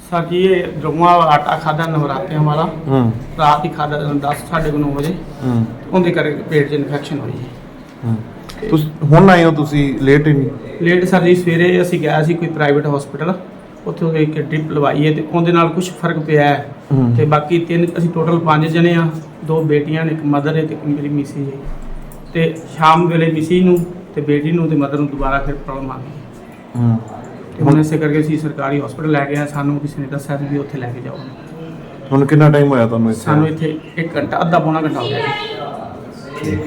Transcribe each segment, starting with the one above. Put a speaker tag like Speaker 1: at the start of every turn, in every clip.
Speaker 1: साकी ये जुम्मा आटा खादा नवरात्रे हमारा रात ही खादा 10 साढ़े 9 बजे ਉਹਦੇ ਕਰਕੇ ਪੇਟ 'ਚ ਇਨਫੈਕਸ਼ਨ ਹੋਈ ਹੈ।
Speaker 2: ਤੁਸੀਂ ਹੁਣ ਆਏ ਹੋ, ਤੁਸੀਂ ਲੇਟ ਹੀ ਨਹੀਂ?
Speaker 1: ਲੇਟ ਸਰ ਜੀ, ਸਵੇਰੇ ਅਸੀਂ ਗਿਆ ਸੀ ਕੋਈ ਪ੍ਰਾਈਵੇਟ ਹਸਪੀਟਲ, ਉੱਥੇ ਇੱਕ ਡ੍ਰਿਪ ਲਵਾਈ ਹੈ ਤੇ ਉਹਦੇ ਨਾਲ ਕੁਝ ਫਰਕ ਪਿਆ ਹੈ ਤੇ ਬਾਕੀ ਤਿੰਨ ਅਸੀਂ ਟੋਟਲ 5 ਜਣੇ ਆ, 2 ਬੇਟੀਆਂ ਨੇ, ਇੱਕ ਮਦਰ ਹੈ ਤੇ ਇੱਕ ਮੇਰੀ ਮਿਸੀ ਹੈ। ਤੇ ਸ਼ਾਮ ਵੇਲੇ ਮਿਸੀ ਨੂੰ ਤੇ ਬੇਟੀ ਨੂੰ ਤੇ ਮਦਰ ਨੂੰ ਦੁਬਾਰਾ ਫਿਰ ਪ੍ਰੋਬਲਮ ਆ ਗਈ ਤੇ ਹੁਣ ਇਸੇ ਕਰਕੇ ਅਸੀਂ ਸਰਕਾਰੀ ਹਸਪੀਟਲ ਲੈ ਗਏ ਆ। ਸਾਨੂੰ ਕਿਸੇ ਨੇ ਦੱਸਿਆ ਵੀ ਉੱਥੇ ਲੈ ਕੇ ਜਾਓ।
Speaker 2: ਹੁਣ ਕਿੰਨਾ ਟਾਈਮ ਹੋਇਆ ਤੁਹਾਨੂੰ ਇੱਥੇ?
Speaker 1: ਸਾਨੂੰ ਇੱਥੇ 1 ਘੰਟਾ, ਅੱਧਾ ਪੌਣਾ ਘੰਟਾ ਹੋ ਗਿਆ ਜੀ।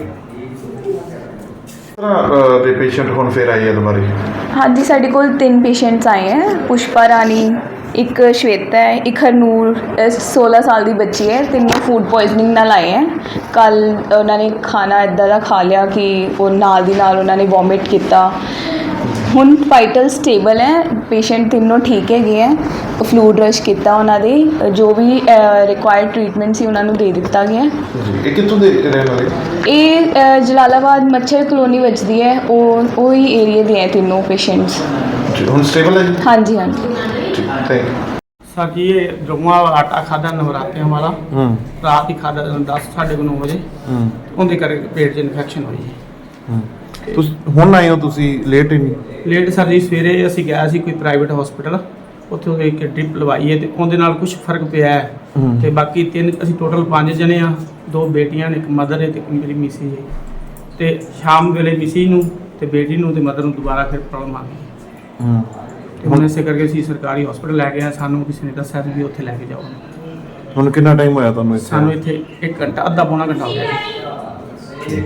Speaker 2: ਦੇ ਪੇਸ਼ੈਂਟ ਹੁਣ ਫਿਰ ਆਏ ਆ ਦੁਬਾਰਾ?
Speaker 3: ਹਾਂਜੀ, ਸਾਡੇ ਕੋਲ 3 ਪੇਸ਼ੈਂਟਸ ਆਏ ਹੈ। ਪੁਸ਼ਪਾ ਰਾਣੀ, ਇੱਕ ਸ਼ਵੇਤਾ ਹੈ, ਇੱਕ ਹਰਨੂਰ 16 ਸਾਲ ਦੀ ਬੱਚੀ ਹੈ। ਤਿੰਨੋਂ ਫੂਡ ਪੋਇਜ਼ਨਿੰਗ ਨਾਲ ਆਏ ਹੈ। ਕੱਲ੍ਹ ਉਹਨਾਂ ਨੇ ਖਾਣਾ ਇੱਦਾਂ ਦਾ ਖਾ ਲਿਆ ਕਿ ਉਹ ਨਾਲ ਦੀ ਨਾਲ ਉਹਨਾਂ ਨੇ ਵੋਮਿਟ ਕੀਤਾ। ਹੁਣ ਵਾਈਟਲ ਸਟੇਬਲ ਹੈ, ਪੇਸ਼ੈਂਟ ਤਿੰਨੋਂ ਠੀਕ ਹੈਗੇ ਹੈ। ਫਲੂਡ ਰਸ਼ ਕੀਤਾ ਉਹਨਾਂ ਦੇ, ਜੋ ਵੀ ਰਿਕੁਆਇਰਡ ਟ੍ਰੀਟਮੈਂਟ ਸੀ ਉਹਨਾਂ ਨੂੰ ਦੇ ਦਿੱਤਾ ਗਿਆ।
Speaker 2: ਇਹ ਕਿੱਥੋਂ ਦੇ ਰਹਿਣ ਵਾਲੇ?
Speaker 3: ਇਹ ਜਲਾਲਾਬਾਦ ਮੱਛਰ ਕਲੋਨੀ ਵੱਜਦੀ ਹੈ, ਉਹ ਹੀ ਏਰੀਆ ਦੇ ਹੈ ਤਿੰਨੋਂ ਪੇਸ਼ੈਂਟਸ।
Speaker 2: ਹੁਣ ਸਟੇਬਲ ਹੈ ਜੀ?
Speaker 3: ਹਾਂਜੀ ਹਾਂਜੀ।
Speaker 2: Thank you.
Speaker 1: साकी ये जुम्मा आटा खादा नवरात्रे हमारा रात ही खादा 10 साढ़े 9 बजे ਉਹਦੇ ਕਰਕੇ ਪੇਟ 'ਚ ਇਨਫੈਕਸ਼ਨ ਹੋਈ ਹੈ।
Speaker 2: ਤੁਸੀਂ ਹੁਣ ਆਏ ਹੋ, ਤੁਸੀਂ ਲੇਟ ਹੀ ਨਹੀਂ?
Speaker 1: ਲੇਟ ਸਰ ਜੀ, ਸਵੇਰੇ ਅਸੀਂ ਗਿਆ ਸੀ ਕੋਈ ਪ੍ਰਾਈਵੇਟ ਹਸਪੀਟਲ, ਉੱਥੇ ਇੱਕ ਡ੍ਰਿਪ ਲਵਾਈ ਹੈ ਤੇ ਉਹਦੇ ਨਾਲ ਕੁਝ ਫਰਕ ਪਿਆ ਹੈ ਤੇ ਬਾਕੀ ਤਿੰਨ ਅਸੀਂ ਟੋਟਲ 5 ਜਣੇ ਆ, 2 ਬੇਟੀਆਂ ਨੇ, ਇੱਕ ਮਦਰ ਹੈ ਤੇ ਇੱਕ ਮੇਰੀ ਮਿਸੀ ਹੈ। ਤੇ ਸ਼ਾਮ ਵੇਲੇ ਮਿਸੀ ਨੂੰ ਤੇ ਬੇਟੀ ਨੂੰ ਤੇ ਮਦਰ ਨੂੰ ਦੁਬਾਰਾ ਫਿਰ ਪ੍ਰੋਬਲਮ ਆ ਗਈ ਤੇ ਹੁਣ ਇਸੇ ਕਰਕੇ ਅਸੀਂ ਸਰਕਾਰੀ ਹਸਪੀਟਲ ਲੈ ਗਏ ਆ। ਸਾਨੂੰ ਕਿਸੇ ਨੇ ਦੱਸਿਆ ਵੀ ਉੱਥੇ ਲੈ ਕੇ ਜਾਓ।
Speaker 2: ਹੁਣ ਕਿੰਨਾ ਟਾਈਮ ਹੋਇਆ ਤੁਹਾਨੂੰ ਇੱਥੇ?
Speaker 1: ਸਾਨੂੰ ਇੱਥੇ 1 ਘੰਟਾ, ਅੱਧਾ ਪੌਣਾ ਘੰਟਾ ਹੋ ਗਿਆ ਜੀ।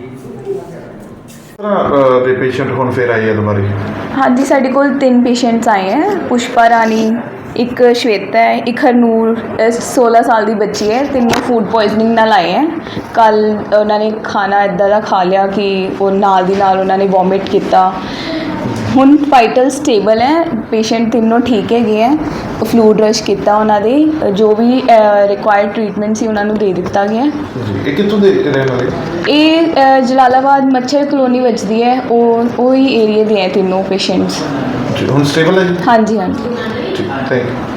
Speaker 2: ਦੇ ਪੇਸ਼ੈਂਟ ਹੁਣ ਫਿਰ ਆਏ ਆ ਦੁਬਾਰਾ?
Speaker 3: ਹਾਂਜੀ, ਸਾਡੇ ਕੋਲ 3 ਪੇਸ਼ੈਂਟਸ ਆਏ ਹੈ। ਪੁਸ਼ਪਾ ਰਾਣੀ, ਇੱਕ ਸ਼ਵੇਤਾ ਹੈ, ਇੱਕ ਹਰਨੂਰ 16 ਸਾਲ ਦੀ ਬੱਚੀ ਹੈ। ਤਿੰਨੋਂ ਫੂਡ ਪੋਇਜ਼ਨਿੰਗ ਨਾਲ ਆਏ ਹੈ। ਕੱਲ੍ਹ ਉਹਨਾਂ ਨੇ ਖਾਣਾ ਇੱਦਾਂ ਦਾ ਖਾ ਲਿਆ ਕਿ ਉਹ ਨਾਲ ਦੀ ਨਾਲ ਉਹਨਾਂ ਨੇ ਵੋਮਿਟ ਕੀਤਾ। ਹੁਣ ਵਾਈਟਲ ਸਟੇਬਲ ਹੈ, ਪੇਸ਼ੈਂਟ ਤਿੰਨੋਂ ਠੀਕ ਹੈਗੇ ਹੈ। ਫਲੂਡ ਰਸ਼ ਕੀਤਾ ਉਹਨਾਂ ਦੇ, ਜੋ ਵੀ ਰਿਕੁਆਇਰਡ ਟ੍ਰੀਟਮੈਂਟ ਸੀ ਉਹਨਾਂ ਨੂੰ ਦੇ ਦਿੱਤਾ ਗਿਆ।
Speaker 2: ਇਹ ਕਿੱਥੋਂ ਦੇ ਰਹਿਣ ਵਾਲੇ?
Speaker 3: ਇਹ ਜਲਾਲਾਬਾਦ ਮੱਛਰ ਕਲੋਨੀ ਵੱਜਦੀ ਹੈ, ਉਹ ਹੀ ਏਰੀਆ ਦੇ ਹੈ ਤਿੰਨੋਂ ਪੇਸ਼ੈਂਟਸ।
Speaker 2: ਹੁਣ ਸਟੇਬਲ ਹੈ ਜੀ?
Speaker 3: ਹਾਂਜੀ ਹਾਂਜੀ।
Speaker 2: Thank you.